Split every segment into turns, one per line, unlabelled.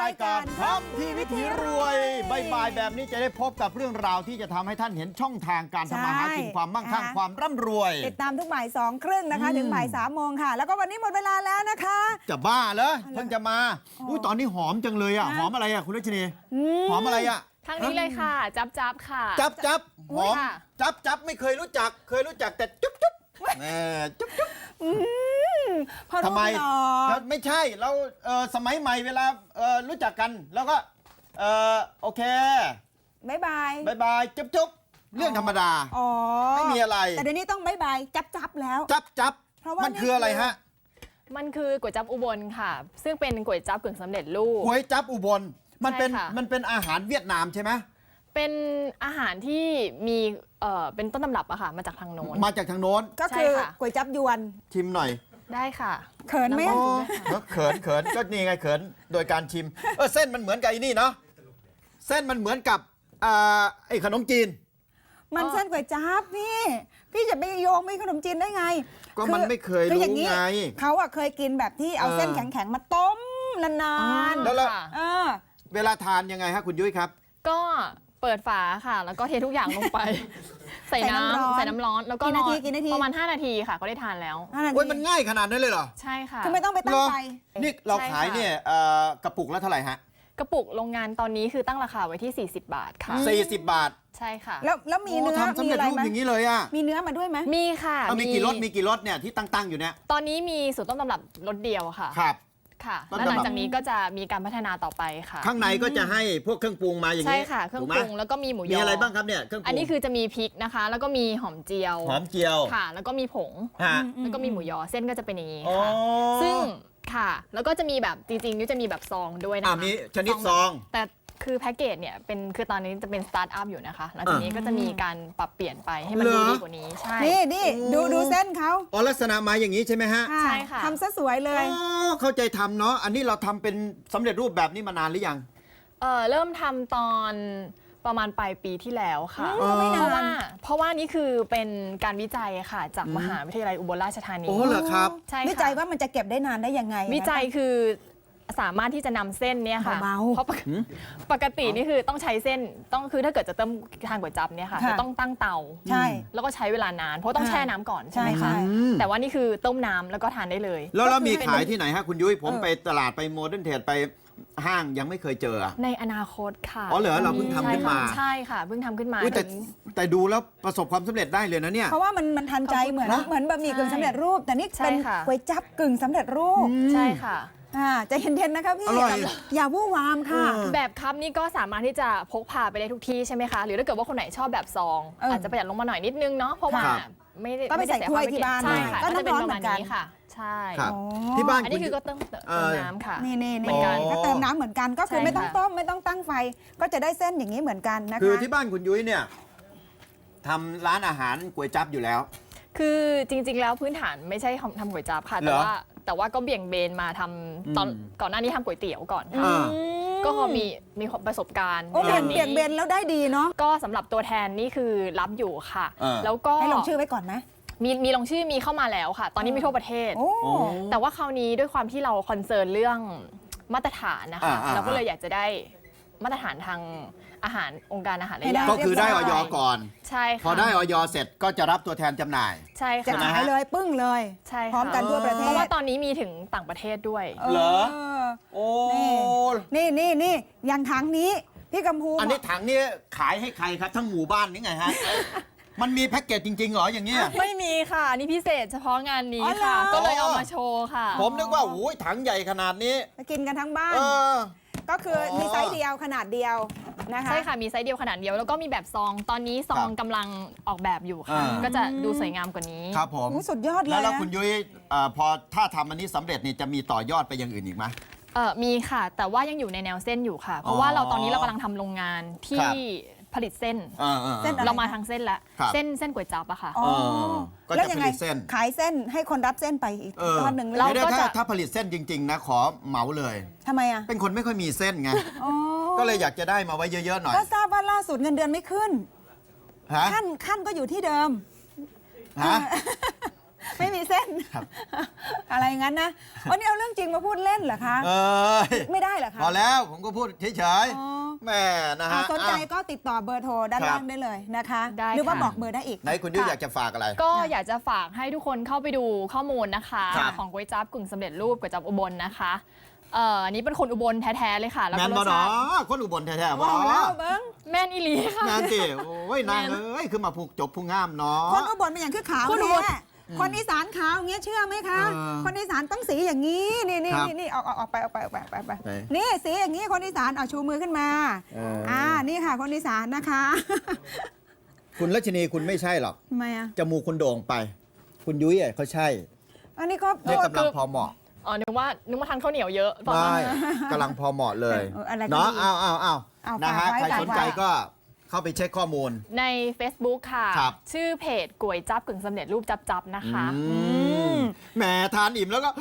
ายการพร้อมที่วิถีรวยบ่ายแบบนี้จะได้พบกับเรื่องราวที่จะทำให้ท่านเห็นช่องทางการทำมาหากินความมั่งคั่งความร่ำรวย
ติดตามทุกบ่าย2:30นะคะถึงบ่าย3:00ค่ะแล้วก็วันนี้หมดเวลาแล้วนะคะ
จะบ้าเหรอเพิ่งจะมาอุ้ยตอนนี้หอมจังเลยอ่ะหอมอะไรอ่ะคุณรัชนีหอมอะไรอ่ะ
ทางนี้เลยค่ะจับค่ะ
จับหอมจับไม่เคยรู้จักเคยรู้จักแต่จุ๊บจุ๊บจุ๊บจุ๊บทำไมไม่ใช่เราสมัยใหม่เวลารู้จักกันแล้วก็โอเค
บาย
บายจุ๊บเรื่องธรรมดาไม่มีอะไร
แต่เดี๋ยวนี้ต้องบายจับแล้ว
จับมันคืออะไรฮะ
มันคือก๋วยจั๊บอุบลค่ะซึ่งเป็นก๋วยจั๊บกึ่งสำเร็จรูป
ก๋วยจั๊บอุบลมันเป็นอาหารเวียดนามใช่ไหม
เป็นอาหารที่มีเป็นต้นตำรับอะค่ะมาจากทางโน้น
ก็คือก๋วยจั๊บยวน
ชิมหน่อย
ได้ค่ะ
เขินไหม
เขินก็นี่ไงเขินโดยการชิมเส้นมันเหมือนกับไอ้นี่เนาะเส้นมันเหมือนกับไอ้ขนมจีน
มันเส้นก๋วยจั๊บพี่จะไปโยงไปขนมจีนได้ไง
ก็มันไม่เคยรู้ไง
เขาอะเคยกินแบบที่เอาเส้นแข็งๆมาต้มนาน
ๆแล้วเวลาทานยังไงฮะคุณยุ้ยครับ
ก็เปิดฝาค่ะแล้วก็เททุกอย่างลงไปใส่น้ำร้อนแล้วก็รอประมาณ5 นาทีค่ะก็ได้ทานแล้ว
โอ้ยมันง่ายขนาดนั้นเลยเหรอ
ใช่ค่ะ
คือไม่ต้องไปตั้งไฟ
นี่เราขายเนี่ยกระปุกละเท่าไหร่ฮะ
กระปุกโรงงานตอนนี้คือตั้งราคาไว้ที่40 บาทค่ะ
40 บาท
ใช่ค่ะ
แล้วมีเนื้อ
ทำสำเร็จรูปอย่างนี้เลยอ่ะ
มีเนื้อมาด้วยไหม
มีค่ะ
มีกี่รสเนี่ยที่ตั้งอยู่เนี่ย
ตอนนี้มีสูตรต้นตำรับรสเดียวค่ะ
ครับ
ค่ะแล้วหลังจากนี้ก็จะมีการพัฒนาต่อไปค่ะ
ข้างในก็จะให้พวกเครื่องปรุงมาอย่างนี้
ใช่ค่ะเครื่องปรุงแล้วก็มีหมูยอ
มีอะไรบ้างครับเนี่ยเครื่องปรุง
อันนี้คือจะมีพริกนะคะแล้วก็มีหอมเจียวค่ะแล้วก็มีผงแล้วก็มีหมูยอเส้นก็จะเป็นอย่างนี้ค่ะซึ่งค่ะแล้วก็จะมีแบบจริงๆนี่จะมีแบบซองด้วยนะคะ
มีชนิดซอง
แต่คือแพ็กเกจเนี่ยคือตอนนี้จะเป็นสตาร์ทอัพอยู่นะคะหลังจากนี้ก็จะมีการปรับเปลี่ยนไปให้มันดูดีกว่านี้ใช่
นี่ดูเส้นเขา
ลักษณะมาอย่างนี้ใช่ไหมฮะ
ใช่ค่ะ
ทำซะสวยเลย
เข้าใจทำเนาะอันนี้เราทำเป็นสำเร็จรูปแบบนี้มานานหรือยัง
เริ่มทำตอนประมาณปลายปีที่แล้วค่ะเพราะว่านี่คือเป็นการวิจัยค่ะจากมหาวิทยาลัยอุบลราชธานี
เหรอครับ
ใช่
วิจัยว่ามันจะเก็บได้นานได้ยังไง
วิจัยคือสามารถที่จะนำเส้นเนี่ยค่ะเพราะปกตินี่คือต้องใช้เส้นคือถ้าเกิดจะต้มทานก๋วยจั๊บเนี่ยค่ะจะต้องตั้งเตา
ใช่
แล้วก็ใช้เวลานานเพราะต้องแช่น้ำก่อนใช่ไหมคะแต่ว่านี่คือต้มน้ำแล้วก็ทานได้เลย
แล้วมีขายที่ไหนฮะคุณยุ้ยผมไปตลาดไปโมเดิร์นเทรดไปห้างยังไม่เคยเจอ
ในอนาคตค่ะ
เหรอเราเพิ่งทำขึ้นมา
ใช่ค่ะเพิ่งทำขึ้นมา
แต่ดูแล้วประสบความสำเร็จได้เลยนะเนี่ย
เพราะว่ามันทันใจเหมือนบะหมี่กึ่งสำเร็จรูปแต่นี่เป็นก๋วยจั๊บกึ่งสำเร็จรูป
ใช่ค่ะ
ใจเย็นๆนะคะพี่อย่าวู่วามค่ะ
แบบคัพนี่ก็สามารถที่จะพกพาไปได้ทุกที่ใช่ไหมคะหรือถ้าเกิดว่าคนไหนชอบแบบซองอาจจะประหยัดลงมาหน่อยนิดนึงเนาะเพราะว่า
ก็ไปใส่ถ้วยที่บ้าน
ใช่ค่ะก็จะเป็นประมาณนี้ค่ะใช่
ที่บ้าน
อันนี้คือก็เติมน้ำค่ะ
นี่ก็เติมน้ำเหมือนกันก็คือไม่ต้องต้มไม่ต้องตั้งไฟก็จะได้เส้นอย่างนี้เหมือนกันนะคะ
คือที่บ้านคุณยุ้ยเนี่ยทำร้านอาหารก๋วยจั๊บอยู่แล้ว
คือจริงๆแล้วพื้นฐานไม่ใช่ทำก๋วยจั๊บค่ะแต่ว่าก็เบี่ยงเบนมาทำตอนก่อนหน้านี้ทำก๋วยเตี๋ยวก่อนก็มีประสบการณ์
เบี่ยงเบนแล้วได้ดีเนาะ
ก็สำหรับตัวแทนนี่คือรับอยู่ค่ะแล้วก็
ให้ลงชื่อไว้ก่อนไหม
มีลงชื่อมีเข้ามาแล้วค่ะตอนนี้มีทั่วประเทศแต่ว่าคราวนี้ด้วยความที่เราคอนเซิร์นเรื่องมาตรฐานนะคะเราก็เลยอยากจะได้มาตรฐานทางอาหารองค์การอาหารและยา
ก็คือได้อย.ก่อน
ใช่ค่ะ
พอได้อย.เสร็จก็จะรับตัวแทนจำหน่าย
ใช่ค่ะ
จะขายเลยปึ้งเลย
ใช่
พร้อมกันทั่วประเทศ
เพราะว่าตอนนี้มีถึงต่างประเทศด้วย
เหรอโอ้
นี่อย่างถังนี้พี่กำพู
อันนี้ถังนี้ขายให้ใครครับทั้งหมู่บ้านนี่ไงฮะมันมีแพ็กเกจจริงๆเหรออย่างเงี้ย
ไม่มีค่ะนี่พิเศษเฉพาะงานนี้ค่ะก็เลยเอามาโชว์ค่ะ
ผมนึกว่าโอ้ยถังใหญ่ขนาดนี้
กินกันทั้งบ้านก็คือมีไซส์เดียวขนาดเดียวนะคะ
ใช่ค่ะมีไซส์เดียวขนาดเดียวแล้วก็มีแบบซองตอนนี้ซองกำลังออกแบบอยู่ค่ะก็จะดูสวยงามกว่านี้
ครับผม
สุดยอดเลย
แล้วคุณยุ้ยพอถ้าทำอันนี้สำเร็จนี่จะมีต่อยอดไปอย่างอื่นอีกไหม
มีค่ะแต่ว่ายังอยู่ในแนวเส้นอยู่ค่ะเพราะว่าตอนนี้เรากำลังทำโรงงานที่ผลิตเส้นเรามาทางเส้นแล้วเส้นก๋วยจั๊บอะค่ะ
ก็จะผลิตเส้น
ขายเส้นให้คนรับเส้นไปอีกทอดหนึ่ง
แล้วถ้าผลิตเส้นจริงๆนะขอเหมาเลย
ทำไมอะ
เป็นคนไม่ค่อยมีเส้นไงก็เลยอยากจะได้มาไว้เยอะๆหน่อย
ก็ทราบว่าล่าสุดเงินเดือนไม่ขึ้นขั้นก็อยู่ที่เดิมไม่มีเส้น
ครับ
อะไรงั้นนะวันนี้เอาเรื่องจริงมาพูดเล่นเหรอคะ ไม่ได้เหรอคะ
พอแล้วผมก็พูดเฉย
อ๋อ
ๆแม่นะฮะ
สนใจก็ติดต่อเบอร์โทรด้านล่างได้เลยนะคะ
ได้
หรือว่า
ค่ะ
บอกเบอร์ได้อีก
ไหนคุณยุ้ยอยากจะฝากอะไร
ก็อยากจะฝากให้ทุกคนเข้าไปดูข้อมูลนะคะ
ครับ
ของก๋วยจั๊บกึ่งสำเร็จรูปก๋วยจั๊บอุบลนะคะอันนี้เป็นคนอุบลแท้ๆเลยค่ะแล้ว
แม
ก็
น
ร
บอ
ส
ดอ
ชาติ
คนอุบลแท้ๆบ
บ
อ
อกแล้วเบิ้ง
แม่นอีหลีค่ะ
แมนสิโอ้ยนางเอ้ยคือมาผูกจบผู้งามเนาะ
คนอุบลเป็นอย่างคือขาว
คนอุบล
แท้คนอีสานขาวอย่างเงี้ยเชื่อไหมคะ คนอีสานต้องสีอย่างนี้นี่นี่
ครับ
นี่ออกไปไป
ไหน
นี่สีอย่างนี้คนอีสานเอาชูมือขึ้นมา นี่ค่ะคนอีสานนะคะ
คุณรัชนีคุณไม่ใช่หรอก
ทำไมอ่ะ
จมูกคุณโด่งไป คุณยุ้ยอ่ะเขาใช่
อันนี้ก็
เนี่ยกำลังพอเหมาะ
อ๋อนึกว่าทานข้าวเหนียวเยอะตอน
ไม่
นั้น
กำลังพอเหมาะเลย
อะไรก็
เนาะ
ดี
เอา
เอา
นะฮะ
ฝากไว้
ใครสนใจ
ฝากไว้
ก็เข้าไปเช็คข้อมูล
ใน Facebook ค่ะ
ครับ
ชื่อเพจก๋วยจั๊บกึ่งสำเร็จรูปจับนะคะ
แหมทานอิ่มแล้วก็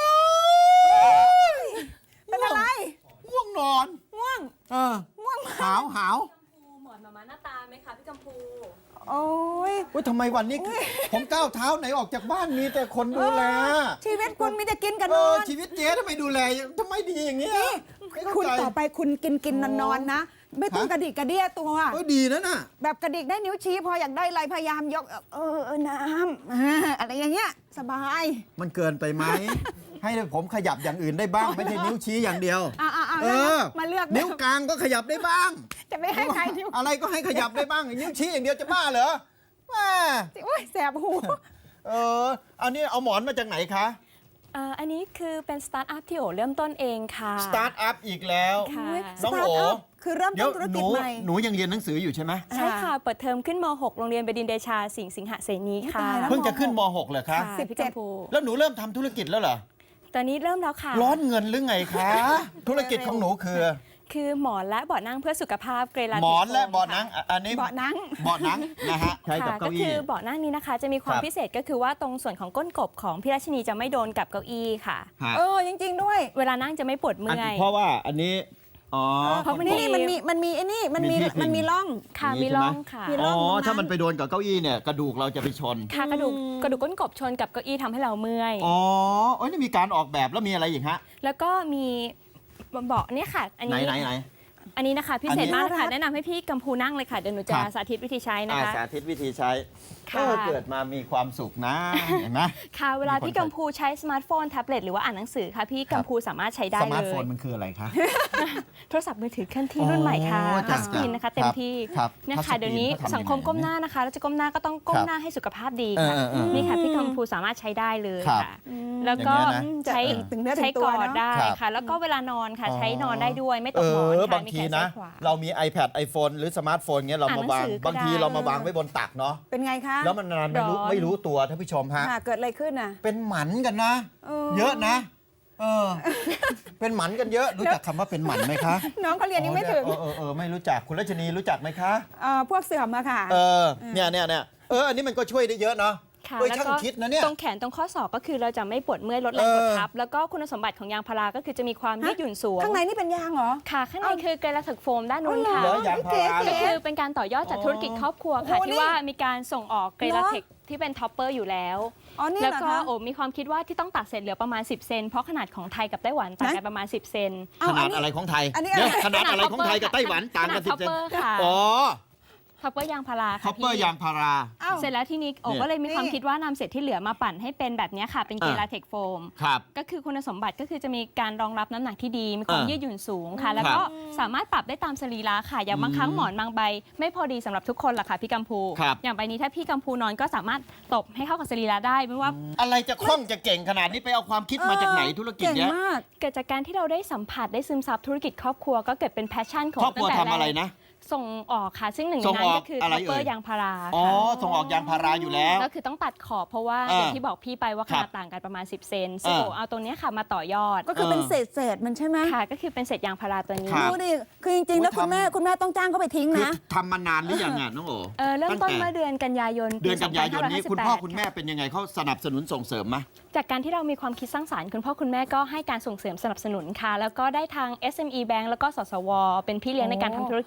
เป็นอะไร
ง่วงนอน
ง่วง
ง่วงหาวหาว
หมอนมาหน้าตาไหมคะพี่กัมพู
โอ้ย
อุ้ยทำไมวันนี้ผมก้าวเท้าไหนออกจากบ้านมีแต่คนดูแล
ชีวิตคุณมีแต่กินกับ
เอน
อ
อน ชีวิตเจ๊ทำไมดูแลทำไมดีอย่างเงี้ยไม่เข้า
คุณ
ใจ
ต่อไปคุณกินนอนนะ ไม่ต้องกระดิกกระเดี้ยตัว
เออดีนะน่ะ
แบบกระดิกได้นิ้วชี้พออยากได้อะไรพยายามยกน้ำอะไรอย่างเงี้ยสบาย
มันเกินไปไหม ให้ผมขยับอย่างอื่นได้บ้าง ไม่ใช่นิ้วชี้อย่างเดียว
เออมาเลือก
นิ้วกลางก็ขยับได้บ้าง
จะไม่ให้ใครนิ้ว
อะไรก็ให้ขยับได้บ้างนิ้วชี้อย่างเดียวจะบ้าเหรอแม่
โอ้ยแสบหู
อันนี้เอาหมอนมาจากไหนคะ
อันนี้คือเป็นสตาร์ทอัพที่โอเริ่มต้นเองค่ะ
สตาร์ทอัพอีกแล้ว
ค่ะ
น้องโอ
คือเริ่ม
เดี๋ย
ต้
วน
ธุร
ห
กิจ
นู
ใหม่
หนูยังเรียนหนังสืออยู่ใช่ไหม
ใช่ค่ะ เปิดเทอมขึ้นม .6 โรงเรียนบดินทร์เดชาสิงหเสนีค่ะ
ตายแล้ว
เพิ่งจะขึ้นม .6 เหรอคะ
ค่ะพี่กัมพู
แล้วหนูเริ่มทำธุรกิจแล้วเหรอ
ตอนนี้เริ่มแล้วค่ะ
ร้อนเงินหรือไงคะ ธุรกิจของหนูคือ
คือหมอนและเบาะนั่งเพื่อสุขภาพเกรลา
หมอนและเบาะหนัง อันนี้
เบาะหนัง
เบาะหนังนะฮะใช้กับ
ค่ะ
เก้า
ก็
อี้
คือเบาะนั่งนี้นะคะ จะมีความ
ครับ
พิเศษก็คือว่าตรงส่วนของก้นกบของพี่รัชนีจะไม่โดนกับเก้าอี้ค่ะ
ฮะ
จริงๆด้วย
เวลานั่งจะไม่ปวดเมื่อย
เพราะว่าอันนี้อ๋อ
เพราะมัน
นี่มันมีไอ้นี่มันมี
มีที่พิง
มันมีร่อง
ค่ะ
อย่างนี้
มีร่อง
ใช่ไหม
ค่ะ
มีร่
อ๋
ง
อ
ตรงนั้น
ถ้ามันไปโดนกับเก้าอี้เนี่ยกระดูกเราจะไปชน
ค่ะกระดูกก้นกบชนกับเก้าอี้ทำให้เราเมื่อย
อ๋อเอ้ยนี่มีการออกแบบแล้วมีอะไรอีกฮะ
แล้วก็มีเบาะเนี่ยค่ะ อัน
ไหน
นี้
ไหนไหน
อันนี้นะคะพิเศษ
อันนี้
มากเลยค่ะแนะนำให้พี่กัมพูนั่งเลยค่ะเดี๋ยวหนูจะ
ครับ
สาธิตวิธีใช้นะคะ
สาธิตวิธีใช้
ค่ะ
เกิดมามีความสุขนะ เห็นไหม
ค่ะเวลา
มีคน
พี่กัมพูใช้สมาร์ทโฟนแท็บเล็ตหรือว่าอ่านหนังสือค่ะพี่กัมพูสามารถใช้ได้
ส
เล
มาร์ทโฟน
ย
มันคืออะไรคะ
โทรศัพท์มือถือเคลื่อนที่รุ่นใหม่ค่ะ
โอ้
ทั
จ้ะ
ชสกรีนนะคะเต็มที่
ครับ
เนี่ย
ทัชสกรีน
ค่ะเดี๋ยวนี้
เขาทำยังไง
สังคมก้มหน้านะคะแล้วจะก้มหน้าก็ต้องก้
ค
ม
รับ
หน้าให้สุขภาพดีค่ะ
เออ
นี่ค่ะพี่กัมพูสามารถใช้ได้เลย
ครับ
ค่ะ แล้วก็
อย่างเงี้ยนะ
ใช้
ถึงเนื้อถึ
ใช้
งตัว
กอด
เนอะ
ได้
ครับ
ค่ะ แล้วก็เวลานอนค่ะ
อ๋อ
ใช้นอนได้ด้วยไม่ตกหมอนค่ะ
บาง
มี
ที
แขน
นะ
ซ้ายขวา
เรามี iPad iPhone หรือสมาร์ทโฟนเงี้ยเรามาวาง
อ่านหนังสือก็
บางที
ได้
เรามาวางไว้บนตักเนาะ
เป็นไงคะ
แล้วมันนานไม่รู้
ร้อน
ไม่รู้ตัวท่านผู้ชมฮะ
เกิดอะไรขึ้นน่ะ
เป็นหมันกันนะ เยอะนะ เป็นหมันกันเยอะ รู้จักคำว่าเป็นหมันไหมคะ
น้องเขาเรียนยังไม่ถึง
ไม่รู้จักคุณรัชนีรู้จักไหมคะ
พวกเสื่อมอะค่ะ
เนี่ยอันนี้มันก็ช่วยได้เยอะเนาะ
ค่ะ
เอ้ย
แล้ว
ช่าง
ก็
คิดนะเนี่ย
ตรงแขนตรงข้อศอกก็คือเราจะไม่ปวดเมื่อยลดแรงกดทับ แล้วก็คุณสมบัติของยางพาราก็คือจะมีความยืดหยุ่นสูง
ข้างในนี่เป็นยางเหรอ
ค่ะ ข้างในคือเกรลาเทคโฟมด้านนู้น
อ๋อ
ค่ะ
เหร
ยางพารา
ก็คือเป็นการต่อยอดจากธุรกิจครอบครัวค่ะ
โอ้โห
ที่ว่ามีการส่งออกเกรลา
เหรอ
เทคที่เป็นท็อปเปอร์อยู่แล้ว
อ๋อนี่
แล้ว
เหรอ
ก็
คะ
โอ้มีความคิดว่าที่ต้องตัดเศษเหลือประมาณ 10 เซนเพราะขนาดของไทยกับไต้หวันต่างกันประมาณ 10 เซน
ขนาดอะไรของไทย
อันนี้
เดี๋ยว
อะไร
ขนาดอะไรของไทยกับไต้หวันต่างกัน
ท็อป
10 เซน
เปอร์ค่ะ
อ๋อ
ท็อปเปอร์ยางพารา
คอ
ค่ะ
ปเปอร์
พี่
ยางพารา
อ้าว
เสร็จแล้วที่นี้โอ้
เนี่ย
ก็เลยมีความ
นี่
คิดว่านำเศษที่เหลือมาปั่นให้เป็นแบบเนี้ยค่ะ เป็นเกลาเทคโฟม
ครับ
ก็คือคุณสมบัติก็คือจะมีการรองรับน้ำหนักที่ดี มีความ
อ่ายื
ยืดหยุ่นสูงค่ะ แล้วก็สามารถปรับได้ตามสรีระค่ะ อย่างบางครั้งหมอนบางใบ ไม่พอดีสำหรับทุกคนหรอกค่ะพี่กัมพู
ครับ
อย่างใบนี้ถ้าพี่กัมพูนอนก็สามารถตบให้เข้ากับสรีระได้ไม่ว่า
อะไรจะคล่องจะเก่งขนาดนี้ไปเอาความคิดมาจากไหนธุรกิจ
เก่ง
เนี้ย
มาก
เกิดจากการที่เราได้สัมผัสได้ซึมซับธุรกิจครอบครัวก็เกิดเป็นแพชชั่นของ
ครอบครัว
ตั้งแต่
ทำอะไร
แก
นะ
ส่งออกค่ะ ซึ่งหนึ่งใน
ส่ง
นั้
อน อก
ก็คือ
อะไร
ท็อปเปอ
เอ่
ร์
ย
ยางพารา
อ๋อ
ค่ะ
ส่งออกยางพาราอยู่แล้ว
ก็คือต้องตัดขอบเพราะว่า
อ่า
อย่างที่บอกพี่ไปว่าข
ครั
นา
บ
ดต่างกันประมาณ 10 เซนซึ่งโอ้เอาตรงเนี้ยค่ะมาต่อยอด
ก็คือเป็นเศษมันใช่ไหม
ค่ะก็คือเป็นเศษยางพาราตัวนี้
ครับ
ดูดิ คือจริงๆ แล้ว
โอ้ย
คุณแม่ต้องจ้างเขาไปทิ้ง
คือ
นะ
ทำมานานหรือยังอ่ะน้องโอ
เริ่มต้น
ง
เมื่อเดือนกันยายน
เดือนกันยายนนี้คุณพ่อคุณแม่
ค่ะ
เป็นยังไงเขาสนับสนุนส่งเสริมไหม
จากการที่เรามีความคิดสร้างสรรค์คุณพ่อคุณแม่ก็ให้การส่งเสริมสนับสนุนค่ะ แล้วก็ได้ทาง SME Bank แล้วก็สสว เป็นพี่เลี้ยงในการทำธุรกิจ
เดี๋ยวคุณ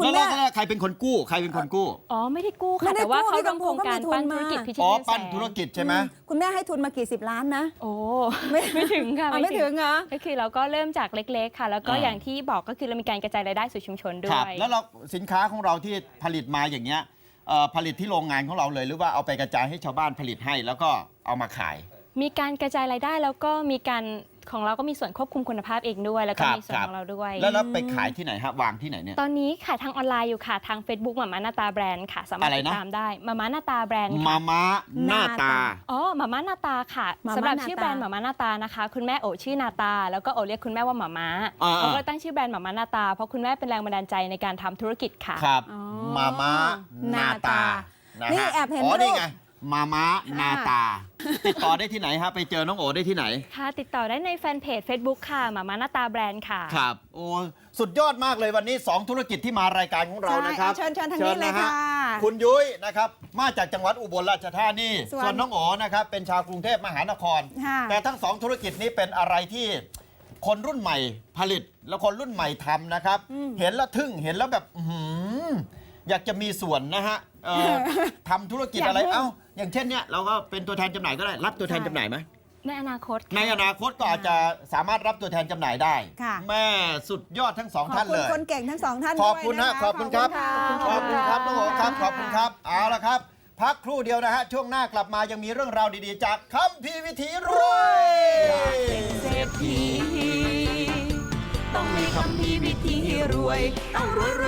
คุณแม่
แล้วใครเป็นคนกู้ใครเป็นคนกู้
อ๋อไม่ได้กู้
ไม่
ค่ะ
ได้
แต่ว่า
กู้
เขา
พี่กัมพู
ทำโครงการ
ก็มีทุน
ปั้นธุรกิจ
มา
พิชิต
อ๋อ
เงินแส
ปั้น
น
ธุรกิจใช่ไหม
คุณแม่ให้ทุนมากี่10 ล้านนะ
โอ้
ไม่
ไม่ถึงค่ะ
ไม่ถึงเหรอ
ก็คือเราก็เริ่มจากเล็กๆค่ะ แล้วก็
อ่า
อย่างที่บอกก็คือเรามีการกระจายรายได้สู่ชุมชนด้
ครั
ว
บ
ย
แล้วเราสินค้าของเราที่ผลิตมาอย่างเงี้ยผลิตที่โรงงานของเราเลยหรือว่าเอาไปกระจายให้ชาวบ้านผลิตให้แล้วก็เอามาขาย
มีการกระจายรายได้แล้วก็มีการของเราก็มีส่วนควบคุมคุณภาพเองด้วย แล้วก็
ครับ
มีส่วน
ครับ
ของเราด้วย
แล้วไปขายที่ไหนฮะวางที่ไหนเนี่ย
ตอนนี้ขายทางออนไลน์อยู่ค่ะทาง Facebook มาม่าหน้าตาแบรนด์ค่ะ สามารถ
อะไร
ติ
นะ
ดตามได้มาม่าหน้าตาแบรนด์
มา
ค่ะ
ม้าหน้าตา
อ๋อมาม่าหน้าตาค่ะ
มาม่า
สำหรับ
หน้า
ชื่อแบรนด์
ตา
มาม่าหน้าตานะคะ คุณแม่โอชื่อนาตา แล้วก็โอเรียกคุณแม่ว่ามาม่า
อ่า
เราก็เลยตั้งชื่อแบรนด์มาม่าหน้าตาเพราะคุณแม่เป็นแรงบันดาลใจในการทำธุรกิจค่ะ
ครับ
อ๋อ
มาม้าหน้าตา
หน้าตา
นะ
นี่
ฮะ
แอบเห็น
อ๋อ
รูป
นี่ไงมาม้าหน้าตา ติดต่อได้ที่ไหนฮะไปเจอน้องโอได้ที่ไหน
ค่ะ ติดต่อได้ในแฟนเพจ Facebook ค่ะมาม่าหน้าตาแบรนด์ค่ะ
ครับโอ้สุดยอดมากเลยวันนี้ 2 ธุรกิจที่มารายการของเรานะครับ
ใช่เชิญทางนี้เลย
ฮ
ค่ะ
คุณยุ้ยนะครับมาจากจังหวัดอุบลราชธานี
ส่วน
ส่วนน้องโอนะครับเป็นชาวกรุงเทพมหานคร
ค่ะ
แต่ทั้ง 2 ธุรกิจนี้เป็นอะไรที่คนรุ่นใหม่ผลิตแล้วคนรุ่นใหม่ทำนะครับ เห็นแล้วทึ่งเห็นแล้วแบบอื้อหืออยากจะมีส่วนนะฮะทำธุรกิจอะไร
อยากให้
เอ้าอย่างเช่นเนี่ยเราก็เป็นตัวแทนจำหน่ายก็ได้รับตัวแทนจำหน่ายไหม
ในอนาคตค่ะ
ในอนาคตก็อาจจะสามารถรับตัวแทนจำหน่ายได้
ค่ะ
แม่สุดยอดทั้งสอง
ขอบ
ท่าน
คุ
เล
ณ
ย
คนเก่งทั้งสองท่าน
ขอบคุณ
ด้วย
นะ
นะะ
ขอบคุณครับ
ขอบคุณค่ะ
น้องโอครับขอบคุณครับเอาละครับ พักครู่เดียวนะฮะช่วงหน้ากลับมายังมีเรื่องราวดีๆ จากคัมภีร์วิถีรวย
เศรษฐีต้องมีคำพีวิธีรวย ต้องรวย